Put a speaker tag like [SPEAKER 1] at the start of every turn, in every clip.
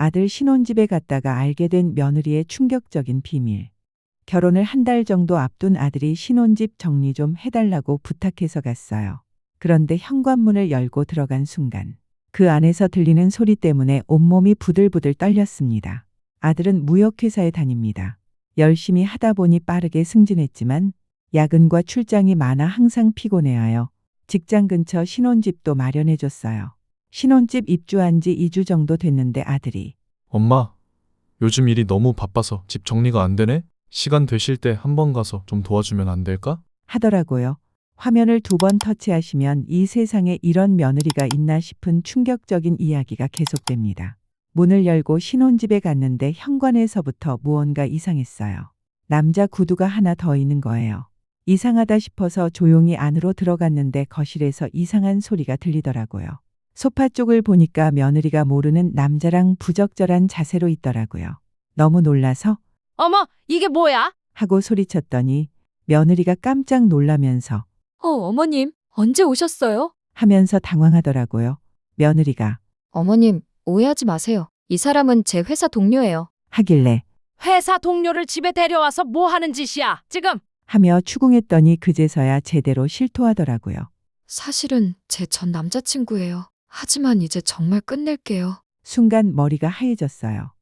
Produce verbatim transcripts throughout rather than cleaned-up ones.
[SPEAKER 1] 아들 신혼집에 갔다가 알게 된 며느리의 충격적인 비밀. 결혼을 한 달 정도 앞둔 아들이 신혼집 정리 좀 해달라고 부탁해서 갔어요. 그런데 현관문을 열고 들어간 순간 그 안에서 들리는 소리 때문에 온몸이 부들부들 떨렸습니다. 아들은 무역회사에 다닙니다. 열심히 하다 보니 빠르게 승진했지만 야근과 출장이 많아 항상 피곤해하여 직장 근처 신혼집도 마련해줬어요. 신혼집 입주한 지 이 주 정도 됐는데 아들이
[SPEAKER 2] 엄마, 요즘 일이 너무 바빠서 집 정리가 안 되네? 시간 되실 때 한번 가서 좀 도와주면 안 될까?
[SPEAKER 1] 하더라고요. 화면을 두 번 터치하시면 이 세상에 이런 며느리가 있나 싶은 충격적인 이야기가 계속됩니다. 문을 열고 신혼집에 갔는데 현관에서부터 무언가 이상했어요. 남자 구두가 하나 더 있는 거예요. 이상하다 싶어서 조용히 안으로 들어갔는데 거실에서 이상한 소리가 들리더라고요. 소파 쪽을 보니까 며느리가 모르는 남자랑 부적절한 자세로 있더라고요. 너무 놀라서
[SPEAKER 3] 어머, 이게 뭐야?
[SPEAKER 1] 하고 소리쳤더니 며느리가 깜짝 놀라면서
[SPEAKER 4] 어, 어머님, 언제 오셨어요?
[SPEAKER 1] 하면서 당황하더라고요. 며느리가
[SPEAKER 4] 어머님, 오해하지 마세요. 이 사람은 제 회사 동료예요.
[SPEAKER 1] 하길래
[SPEAKER 3] 회사 동료를 집에 데려와서 뭐 하는 짓이야, 지금?
[SPEAKER 1] 하며 추궁했더니 그제서야 제대로 실토하더라고요.
[SPEAKER 4] 사실은 제 전 남자친구예요. 하지만 이제 정말 끝낼게요.
[SPEAKER 1] 순간 머리가 하얘졌어요.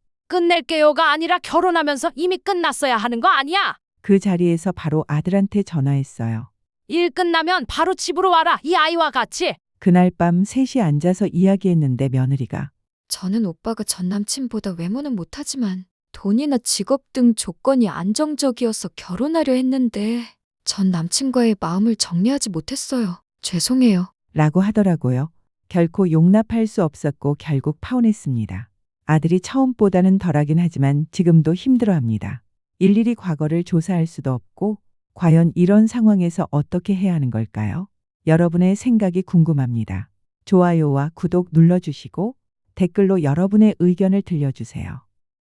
[SPEAKER 3] 끝낼게요가 아니라 결혼하면서 이미 끝났어야 하는 거 아니야?
[SPEAKER 1] 그 자리에서 바로 아들한테 전화했어요.
[SPEAKER 3] 일 끝나면 바로 집으로 와라, 이 아이와 같이.
[SPEAKER 1] 그날 밤 셋이 앉아서 이야기했는데 며느리가
[SPEAKER 4] 저는 오빠가 전 남친보다 외모는 못하지만 돈이나 직업 등 조건이 안정적이어서 결혼하려 했는데 전 남친과의 마음을 정리하지 못했어요. 죄송해요.
[SPEAKER 1] 라고 하더라고요. 결코 용납할 수 없었고 결국 파혼했습니다. 아들이 처음보다는 덜하긴 하지만 지금도 힘들어합니다. 일일이 과거를 조사할 수도 없고 과연 이런 상황에서 어떻게 해야 하는 걸까요? 여러분의 생각이 궁금합니다. 좋아요와 구독 눌러주시고 댓글로 여러분의 의견을 들려주세요.